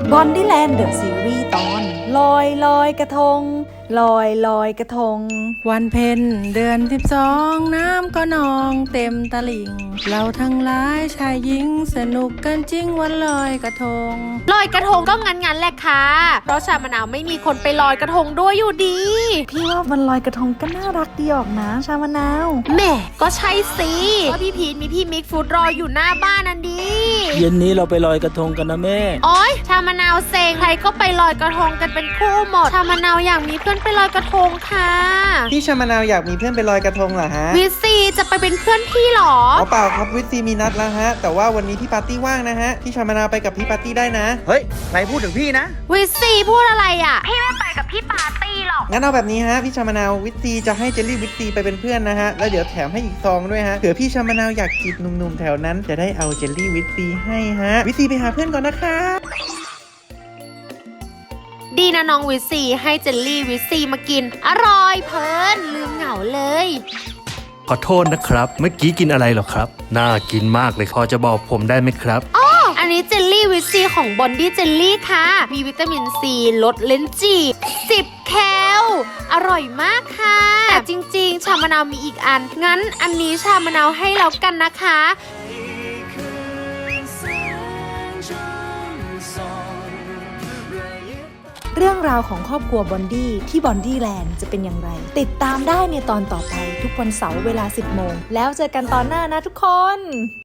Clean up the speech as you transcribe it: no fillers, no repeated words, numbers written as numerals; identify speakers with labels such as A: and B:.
A: บอนดี้แลนด์เดอะซีรีส์ตอนลอยลอยกระทงลอยลอยกระทง
B: วันเพ็ญเดือน12น้ำก็นองเต็มตลิ่งเราทั้งหลายชายหญิงสนุกกันจริงวันลอยกระทง
C: ลอยกระทงก็งั้นแหละค่ะเพราะชามะนาวไม่มีคนไปลอยกระทงด้วยอยู่ดี
A: พี่ว่าวันลอยกระทงก็น่ารักดีออกนะชามะนาว
C: แหม่ก็ใช่สิว่าพี่พีทมีพี่มิกฟูดรออยู่หน้าบ้านนั่นดี
D: เย็นนี้เราไปลอยกระทงกันนะแม่
C: โอ๊ยชามะนาวเซ็งใครก็ไปลอยกระทงกันเป็นคู่หมดชามะนาวอยากมีเพื่อนไปลอยกระทงค่ะ
E: พี่ชามะนาวอยากมีเพื่อนไปลอยกระทงเหรอฮะ
C: วิสซีจะไปเป็นเพื่อนพี่เหรอ
E: อ๋อเปล่าครับวิทซีมีนัดแล้วฮะแต่ว่าวันนี้พี่ปาร์ตี้ว่างนะฮะพี่ชามะนาวไปกับพี่ปาร์ตี้ได้นะ
F: เฮ้ยใครพูดถึงพี่นะ
C: วิสซีพูดอะไรอ่ะพี่ไม่ไปกับพี่ปาร์ตี้หรอก
E: งั้นเอาแบบนี้ฮะพี่ชามะนาววิทซีจะให้เจลลี่วิทซีไปเป็นเพื่อนนะฮะแล้วเดี๋ยวแถมให้อีกซองด้วยฮะเผื่อพี่ชามะนาวอยากจีบหนุ่มๆแถวนั้นจะได้เอาเจลลี่วิทซีให้ฮะวิทซีไปหาเพื่อนก่อนนะคะ
C: ดีนะน้องวิสซีให้เจลลี่วิสซีมากินอร่อยเพลินลืมเหงาเลย
G: ขอโทษนะครับ เมื่อกี้กินอะไรเหรอครับ น่ากินมากเลยพอจะบอกผมได้ไหมครับ
C: อันนี้เจลลี่วิตซีของบอนดี้เจลลี่ค่ะ มีวิตามินซีลดเลนจี10 แคลอร่อยมากค่ะแต่จริงๆ ชามะนาวมีอีกอัน งั้นอันนี้ชามะนาวให้แล้วกันนะคะ
A: เรื่องราวของครอบครัวบอนดี้ที่บอนดี้แลนด์จะเป็นอย่างไรติดตามได้ในตอนต่อไปทุกวันเสาร์เวลา 10 โมงแล้วเจอกันตอนหน้านะทุกคน